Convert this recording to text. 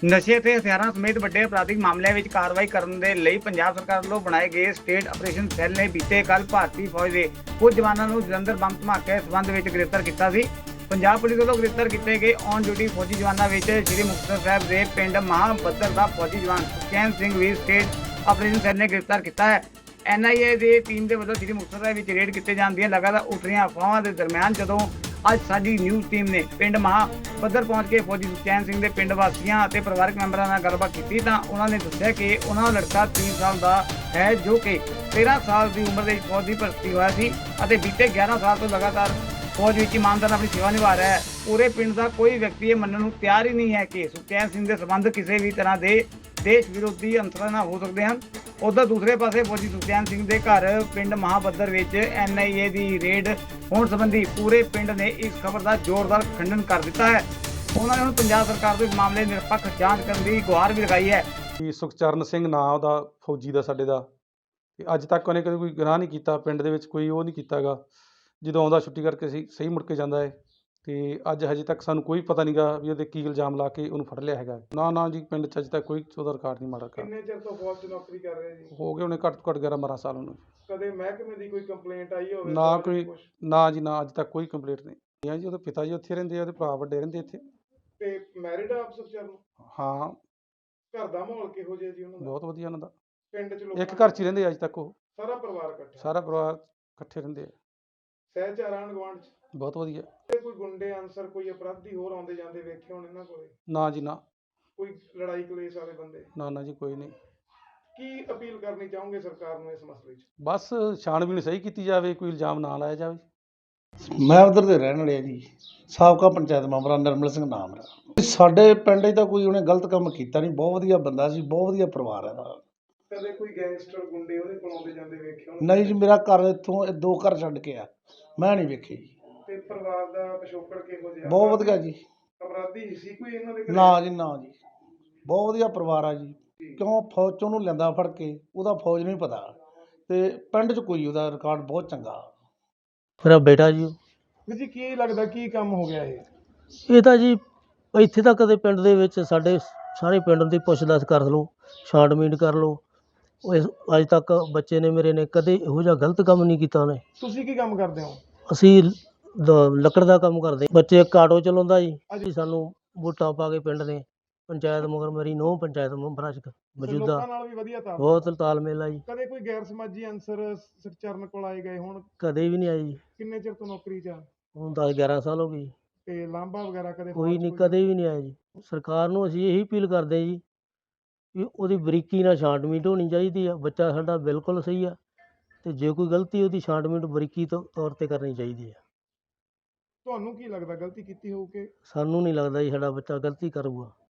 ਨਸ਼ੇ ਅਤੇ ਹਥਿਆਰਾਂ ਸਮੇਤ ਵੱਡੇ ਅਪਰਾਧਿਕ ਮਾਮਲਿਆਂ ਵਿੱਚ ਕਾਰਵਾਈ ਕਰਨ ਦੇ ਲਈ ਪੰਜਾਬ ਸਰਕਾਰ ਵੱਲੋਂ ਬਣਾਏ ਗਏ ਸਟੇਟ ਆਪਰੇਸ਼ਨ ਸੈੱਲ ਨੇ ਬੀਤੇ ਕੱਲ੍ਹ ਭਾਰਤੀ ਫੌਜ ਦੇ ਕੁਝ ਜਵਾਨਾਂ ਨੂੰ ਜਲੰਧਰ ਬੰਬ ਧਮਾਕੇ ਸਬੰਧ ਵਿੱਚ ਗ੍ਰਿਫਤਾਰ ਕੀਤਾ ਸੀ। ਪੰਜਾਬ ਪੁਲਿਸ ਵੱਲੋਂ ਗ੍ਰਿਫਤਾਰ ਕੀਤੇ ਗਏ ਔਨ ਡਿਊਟੀ ਫੌਜੀ ਜਵਾਨਾਂ ਵਿੱਚ ਸ੍ਰੀ ਮੁਕਤਸਰ ਸਾਹਿਬ ਦੇ ਪਿੰਡ ਮਹਾਬੱਦਰ ਦਾ ਫੌਜੀ ਜਵਾਨ ਸੁਖਚੈਨ ਸਿੰਘ ਵੀ ਸਟੇਟ ਆਪਰੇਸ਼ਨ ਸੈੱਲ ਨੇ ਗ੍ਰਿਫਤਾਰ ਕੀਤਾ ਹੈ। NIA ਦੀ ਟੀਮ ਦੇ ਵੱਲੋਂ ਸ੍ਰੀ ਮੁਕਤਸਰ ਸਾਹਿਬ ਵਿੱਚ ਰੇਡ ਕੀਤੇ ਜਾਣ ਦੀਆਂ ਲਗਾਤਾਰ ਉੱਠ ਰਹੀਆਂ ਅਫਵਾਹਾਂ ਦੇ ਦਰਮਿਆਨ ਜਦੋਂ ਅੱਜ ਸਾਡੀ ਨਿਊਜ਼ ਟੀਮ ਨੇ ਪਿੰਡ ਮਹਾਬੱਦਰ ਪਹੁੰਚ ਕੇ ਫੌਜੀ ਸੁਖਚੈਨ ਸਿੰਘ ਦੇ ਪਿੰਡ ਵਾਸੀਆਂ ਅਤੇ ਪਰਿਵਾਰਕ ਮੈਂਬਰਾਂ ਨਾਲ ਗੱਲਬਾਤ ਕੀਤੀ ਤਾਂ ਉਹਨਾਂ ਨੇ ਦੱਸਿਆ ਕਿ ਉਹਨਾਂ ਦਾ ਲੜਕਾ 3 ਸਾਲ ਦਾ ਹੈ ਜੋ ਕਿ 13 ਸਾਲ ਦੀ ਉਮਰ ਦੇ ਵਿੱਚ ਫੌਜ ਦੀ ਭਰਤੀ ਹੋਇਆ ਸੀ ਅਤੇ ਬੀਤੇ 11 ਸਾਲ ਤੋਂ ਲਗਾਤਾਰ ਫੌਜ ਵਿੱਚ ਇਮਾਨਦਾਰ ਆਪਣੀ ਸੇਵਾ ਨਿਭਾ ਰਿਹਾ ਹੈ। ਪੂਰੇ ਪਿੰਡ ਦਾ ਕੋਈ ਵਿਅਕਤੀ ਇਹ ਮੰਨਣ ਨੂੰ ਤਿਆਰ ਹੀ ਨਹੀਂ ਹੈ ਕਿ ਸੁਖਚੈਨ ਸਿੰਘ ਦੇ ਸੰਬੰਧ ਕਿਸੇ ਵੀ ਤਰ੍ਹਾਂ ਦੇ ਦੇਸ਼ ਵਿਰੋਧੀ ਅੰਸਰਾਂ ਨਾਲ ਹੋ ਸਕਦੇ ਹਨ। ਉਧਰ ਦੂਸਰੇ ਪਾਸੇ ਫੌਜੀ ਸੁਖਚੈਨ ਸਿੰਘ ਦੇ ਘਰ ਪਿੰਡ ਮਹਾਬੱਦਰ ਵਿੱਚ NIA ਦੀ ਰੇਡ ਹੋਣ ਸੰਬੰਧੀ ਪੂਰੇ ਪਿੰਡ ਨੇ ਇਸ ਖਬਰ ਦਾ ਜ਼ੋਰਦਾਰ ਖੰਡਨ ਕਰ ਦਿੱਤਾ ਹੈ। ਉਹਨਾਂ ਨੇ ਹੁਣ ਪੰਜਾਬ ਸਰਕਾਰ ਤੋਂ ਇਸ ਮਾਮਲੇ ਦੀ ਨਿਰਪੱਖ ਜਾਂਚ ਕਰਨ ਦੀ ਗੁਹਾਰ ਵੀ ਲਗਾਈ ਹੈ। ਸੁਖਚਰਨ ਸਿੰਘ ਨਾਂ ਉਹਦਾ ਫੌਜੀ ਦਾ ਸਾਡੇ ਦਾ ਤੇ ਅੱਜ ਤੱਕ ਉਹਨੇ ਕਦੇ ਕੋਈ ਗੁਨਾਹ ਨਹੀਂ ਕੀਤਾ, ਪਿੰਡ ਦੇ ਵਿੱਚ ਕੋਈ ਉਹ ਨਹੀਂ ਕੀਤਾ ਗਾ। ਜਦੋਂ ਆਉਂਦਾ ਛੁੱਟੀ ਕਰਕੇ ਸਹੀ ਮੁੜ ਕੇ ਜਾਂਦਾ ਹੈ ਤੇ ਅੱਜ ਹਜੇ ਤੱਕ ਸਾਨੂੰ ਕੋਈ ਪਤਾ ਨਹੀਂ ਗਾ ਵੀ ਉਹਦੇ ਕੀ ਇਲਜ਼ਾਮ ਲਾ ਕੇ ਉਹਨੂੰ ਫੜ ਲਿਆ ਹੈਗਾ। ਨਾ ਜੀ, ਪਿੰਡ 'ਚ ਅਜੇ ਤੱਕ ਕੋਈ ਉਹਦਾ ਰਿਕਾਰਡ ਨਹੀਂ ਮਾੜਾ ਕਰ। ਕਿੰਨੇ ਚਿਰ ਤੋਂ ਫੌਜ 'ਚ ਨੌਕਰੀ ਕਰ ਰਹੇ ਜੀ? ਹੋ ਗਏ ਉਹਨੇ ਘੱਟ ਤੋਂ ਘੱਟ 11-12 ਸਾਲ ਉਹਨੂੰ। ਕਦੇ ਮਹਿਕਮੇ ਦੀ ਕੋਈ ਕੰਪਲੇਂਟ ਆਈ ਹੋਵੇ? ਨਾ ਕੋਈ, ਨਾ ਜੀ ਨਾ, ਅੱਜ ਤੱਕ ਕੋਈ ਕੰਪਲੇਂਟ ਨਹੀਂ ਆ ਜੀ। ਉਹਦੇ ਪਿਤਾ ਜੀ ਉੱਥੇ ਰਹਿੰਦੇ ਆ, ਉਹਦੇ ਭਰਾ ਵੱਡੇ ਰਹਿੰਦੇ ਇੱਥੇ। ਤੇ ਮੈਰਿਡ ਆਪ ਸੁਖਚਰਨ? ਹਾਂ। ਘਰ ਦਾ ਮਾਹੌਲ ਕਿਹੋ ਜਿਹਾ ਜੀ ਉਹਨਾਂ ਦਾ? ਬਹੁਤ ਵਧੀਆ ਉਹਨਾਂ ਦਾ। ਪਿੰਡ 'ਚ ਇੱਕ ਘਰ 'ਚ ਹੀ ਰਹਿੰਦੇ ਅੱਜ ਤੱਕ ਉਹ। ਸਾਰਾ ਪਰਿਵਾਰ ਇਕੱਠਾ? ਸਾਰਾ ਪਰਿਵਾਰ ਇਕੱਠੇ ਰਹਿੰਦੇ ਆ। ਸਹਿਚਾਰ ਆਂਢ ਗੁਆਂਢ 'ਚ? ਬਹੁਤ ਵਧੀਆ। ਤੇ ਕੋਈ ਗੁੰਡੇ ਅਨਸਰ, ਕੋਈ ਅਪਰਾਧੀ ਹੋਰ ਆਉਂਦੇ ਜਾਂਦੇ ਵੇਖੇ ਹੋਣ ਇਹਨਾਂ ਕੋਲੇ? ਨਾ ਜੀ ਨਾ। ਕੋਈ ਲੜਾਈ ਕਲੇਸ਼ ਵਾਲੇ ਬੰਦੇ? ਨਾ ਜੀ, ਕੋਈ ਨਹੀਂ। ਕੀ ਅਪੀਲ ਕਰਨੀ ਚਾਹੋਗੇ ਸਰਕਾਰ ਨੂੰ ਇਸ ਮਸਲੇ 'ਚ? ਬਸ ਛਾਣਬੀਣ ਸਹੀ ਕੀਤੀ ਜਾਵੇ, ਕੋਈ ਇਲਜ਼ਾਮ ਨਾ ਲਾਇਆ ਜਾਵੇ। ਮੈਂ ਉਧਰ ਦੇ ਰਹਿਣ ਵਾਲੇ ਆ ਜੀ, ਸਾਬਕਾ ਪੰਚਾਇਤ ਮੈਂਬਰ ਨਿਰਮਲ ਸਿੰਘ ਨਾਮ ਮੇਰਾ। ਸਾਡੇ ਪਿੰਡ 'ਚ ਤਾਂ ਕੋਈ ਉਹਨੇ ਗਲਤ ਕੰਮ ਕੀਤਾ ਨਹੀਂ, ਬਹੁਤ ਵਧੀਆ ਬੰਦਾ ਸੀ, ਬਹੁਤ ਵਧੀਆ ਪਰਿਵਾਰ ਹੈ ਦਾ। ਕਦੇ ਕੋਈ ਗੈਂਗਸਟਰ ਗੁੰਡੇ ਉਹਦੇ ਕੋਲ ਆਉਂਦੇ ਜਾਂਦੇ ਵੇਖੇ ਹੋਣ? ਨਹੀਂ ਜੀ, ਮੇਰਾ ਘਰ ਇੱਥੋਂ 2 ਘਰ ਛੱਡ ਕੇ ਆ, ਮੈਂ ਨਹੀਂ ਵੇਖੇ ਜੀ। ਤੇ ਪਰਿਵਾਰ ਦਾ ਪਿਛੋਕੜ ਕਿਹੋ ਜਿਹਾ? ਬਹੁਤ ਵਧੀਆ ਜੀ। ਅਪਰਾਧੀ ਸੀ ਕੋਈ ਇਹਨਾਂ ਦੇ ਘਰੇ? ਨਾ ਜੀ ਨਾ ਜੀ, ਬਹੁਤ ਵਧੀਆ ਪਰਿਵਾਰ ਆ ਜੀ। ਕਿਉਂ ਫੌਜ 'ਚ ਉਹਨੂੰ ਲੈਂਦਾ ਫੜ ਕੇ, ਉਹਦਾ ਫੌਜ ਨੂੰ ਹੀ ਪਤਾ। ਤੇ ਪਿੰਡ 'ਚ ਕੋਈ ਉਹਦਾ ਰਿਕਾਰਡ ਬਹੁਤ ਚੰਗਾ। ਮੇਰਾ ਬੇਟਾ ਜੀ। ਵੀਰ ਜੀ, ਕੀ ਲੱਗਦਾ ਕੀ ਕੰਮ ਹੋ ਗਿਆ ਇਹ? ਇਹ ਤਾਂ ਜੀ ਇੱਥੇ ਤਾਂ ਕਦੇ ਪਿੰਡ ਦੇ ਵਿੱਚ ਸਾਡੇ ਸਾਰੇ ਪਿੰਡ ਦੀ ਪੁੱਛ-ਦੱਸ ਕਰ ਲਓ, ਛਾਂਟਬੀਨ ਕਰ ਲਓ, ਉਹ ਅੱਜ ਤੱਕ ਬੱਚੇ ਨੇ ਮੇਰੇ ਨੇ ਕਦੇ ਇਹੋ ਜਿਹਾ ਗਲਤ ਕੰਮ ਨਹੀਂ ਕੀਤਾ ਉਹਨੇ। ਤੁਸੀਂ ਕੀ ਕੰਮ ਕਰਦੇ ਹੋ? ਅਸੀਂ ਲੱਕੜ ਦਾ ਕੰਮ ਕਰਦੇ। ਬੱਚੇ ਇੱਕ ਆਟੋ ਚਲਾਉਂਦਾ ਜੀ। ਸਾਨੂੰ ਵੋਟਾਂ ਪਾ ਕੇ ਪਿੰਡ ਨੇ ਪੰਚਾਇਤ ਮਗਰ ਮੇਰੀ ਨੂੰਹ ਪੰਚਾਇਤ ਮੈਂਬਰਾਂ 'ਚ ਮੌਜੂਦਾ ਲੋਕਾਂ ਨਾਲ ਵੀ ਵਧੀਆ ਬਹੁਤ ਤਾਲਮੇਲ ਆ ਜੀ। ਕਦੇ ਕੋਈ ਗੈਰ ਸਮਾਜੀ ਅਨਸਰ ਸੁਖਚਰਨ ਕੋਲ ਆਏ ਗਏ ਹੁਣ? ਕਦੇ ਵੀ ਨਹੀਂ ਆਈ ਜੀ। ਕਿੰਨੇ ਚਿਰ ਤੋਂ ਨੌਕਰੀ 'ਚ ਆ? ਹੁਣ 10-11 ਸਾਲ ਹੋ ਗਏ ਜੀ। ਤੇ ਲਾਂਭਾ ਵਗੈਰਾ ਕਦੇ? ਕੋਈ ਨਹੀਂ, ਕਦੇ ਵੀ ਨਹੀਂ ਆਇਆ ਜੀ। ਸਰਕਾਰ ਨੂੰ ਅਸੀਂ ਇਹੀ ਅਪੀਲ ਕਰਦੇ ਜੀ ਵੀ ਉਹਦੀ ਬਰੀਕੀ ਨਾਲ ਛਾਂਟਬੀਨ ਹੋਣੀ ਚਾਹੀਦੀ ਆ। ਬੱਚਾ ਸਾਡਾ ਬਿਲਕੁਲ ਸਹੀ ਆ ਤੇ ਜੇ ਕੋਈ ਗਲਤੀ ਉਹਦੀ ਛਾਂਟਬੀਨ ਬਰੀਕੀ ਤੌਰ 'ਤੇ ਕਰਨੀ ਚਾਹੀਦੀ ਆ। ਤੁਹਾਨੂੰ ਕੀ ਲੱਗਦਾ ਗਲਤੀ ਕੀਤੀ ਹੋਊ ਕਿ? ਸਾਨੂੰ ਨਹੀਂ ਲੱਗਦਾ ਜੀ ਸਾਡਾ ਬੱਚਾ ਗਲਤੀ ਕਰੂਗਾ।